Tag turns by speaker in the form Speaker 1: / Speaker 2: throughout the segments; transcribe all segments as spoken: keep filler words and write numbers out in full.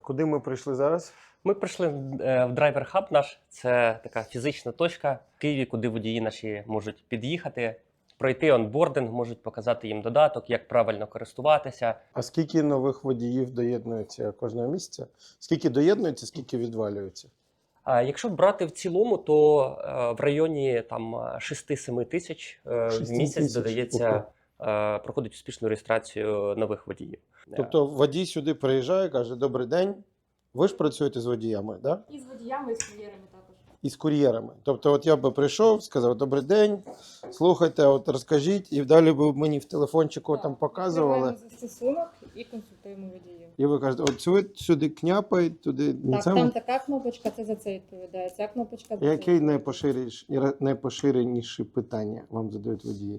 Speaker 1: Куди ми прийшли зараз?
Speaker 2: Ми прийшли е, в Driver Hub наш. Це така фізична точка в Києві, куди водії наші можуть під'їхати, пройти онбординг, можуть показати їм додаток, як правильно користуватися.
Speaker 1: А скільки нових водіїв доєднується кожного місяця? Скільки доєднується, скільки відвалюється?
Speaker 2: А якщо брати в цілому, то е, в районі там шість-сім тисяч е, в
Speaker 1: шість
Speaker 2: місяць
Speaker 1: тисяч?
Speaker 2: додається, е, проходить успішну реєстрацію нових водіїв.
Speaker 1: Тобто водій сюди приїжджає, каже: добрий день, ви ж працюєте з водіями, так? Да?
Speaker 3: І з водіями, і з кур'єрами також.
Speaker 1: І з кур'єрами. Тобто, от я би прийшов, сказав: добрий день, слухайте, от розкажіть, і далі б мені в телефончику там показували.
Speaker 3: Відкриваємо застосунок і консультуємо водіїв.
Speaker 1: І ви кажете: от сюди, сюди княпай, туди не
Speaker 3: Так,
Speaker 1: це.
Speaker 3: там така кнопочка, це за це відповідає. Ця кнопочка за
Speaker 1: Яке
Speaker 3: це.
Speaker 1: найпоширеніше, найпоширеніші питання вам задають водії?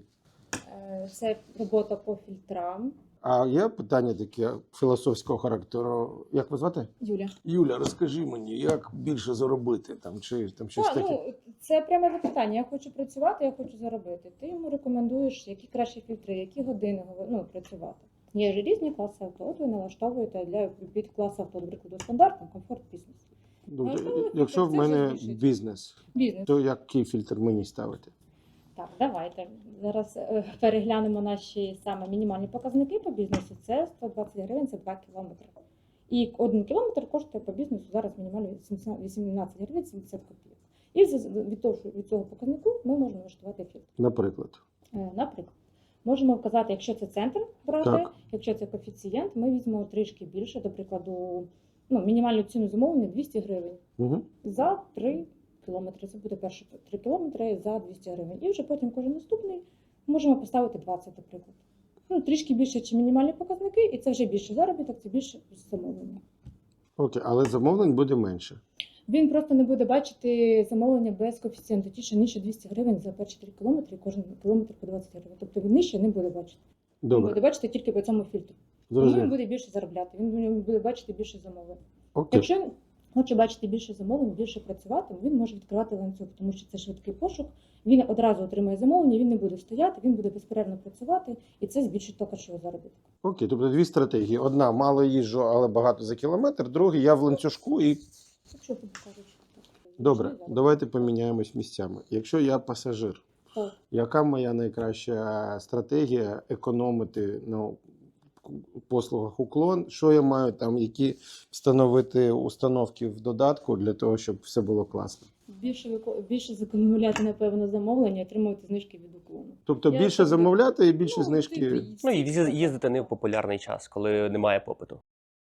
Speaker 3: Е, Це робота по фільтрам.
Speaker 1: А є питання таке філософського характеру. Як ви звати?
Speaker 3: Юля.
Speaker 1: Юля, розкажи мені, як більше заробити там чи там щось
Speaker 3: Так,
Speaker 1: таке?
Speaker 3: ну, це пряме запитання. Я хочу працювати, я хочу заробити. Ти йому рекомендуєш, які кращі фільтри, які години ну, працювати. Є ж різні класи авто. От ви налаштовуєте для під клас авто, наприклад, стандартно, комфорт, бізнес.
Speaker 1: Добре.
Speaker 3: ну,
Speaker 1: Якщо в
Speaker 3: це
Speaker 1: мене
Speaker 3: вже збільшить.
Speaker 1: бізнес,
Speaker 3: Бізнес.
Speaker 1: то який фільтр мені ставити?
Speaker 3: Так, давайте. Зараз е, переглянемо наші саме мінімальні показники по бізнесу. Це сто двадцять гривень, це два кілометри. І один кілометр коштує по бізнесу зараз мінімально вісімнадцять гривень сімдесят копійок. І від того, від цього показнику ми можемо налаштувати фільтр.
Speaker 1: Наприклад.
Speaker 3: Е, Наприклад, можемо вказати, якщо це центр брати,
Speaker 1: Так.
Speaker 3: якщо це коефіцієнт, ми візьмемо трішки більше, до прикладу, ну, мінімальну ціну замовлення двісті гривень
Speaker 1: Угу.
Speaker 3: за три кілометри. Це буде перші три кілометри за двісті гривень. І вже потім кожен наступний можемо поставити двадцять, наприклад. Ну, трішки більше, ніж мінімальні показники, і це вже більше заробіток, це більше замовлення.
Speaker 1: Окей, але замовлень буде менше.
Speaker 3: Він просто не буде бачити замовлення без коефіцієнту. Ті, що нижче двісті гривень за перші три кілометри, кожен кілометр по двадцять гривень. Тобто він нижче не буде бачити. Він буде
Speaker 1: Добре.
Speaker 3: бачити тільки по цьому фільтру. Тому він
Speaker 1: Зрозуміло.
Speaker 3: буде більше заробляти, він буде бачити більше замовлень.
Speaker 1: Окей.
Speaker 3: Якщо він хоче бачити більше замовлень, більше працювати, він може відкривати ланцюг, тому що це швидкий пошук. Він одразу отримує замовлення, він не буде стояти, він буде безперервно працювати, і це збільшить також його заробіток.
Speaker 1: Окей, тобто дві стратегії. Одна — мало їжджу, але багато за кілометр. Друга — я в ланцюжку і...
Speaker 3: Якщо тобі кажуть, що так.
Speaker 1: Добре,
Speaker 3: Можливо.
Speaker 1: давайте поміняємось місцями. Якщо я пасажир,
Speaker 3: Так.
Speaker 1: яка моя найкраща стратегія економити на послугах уклон? Що я маю там, які встановити установки в додатку для того, щоб все було класно?
Speaker 3: Більше, вико- більше закумуляти, напевно, замовлення, отримувати знижки від уклону.
Speaker 1: Тобто
Speaker 3: Я
Speaker 1: більше
Speaker 3: собі-
Speaker 1: замовляти і більше
Speaker 3: Ну,
Speaker 1: знижки.
Speaker 3: типу,
Speaker 2: Ну і їздити не в популярний час, коли немає попиту.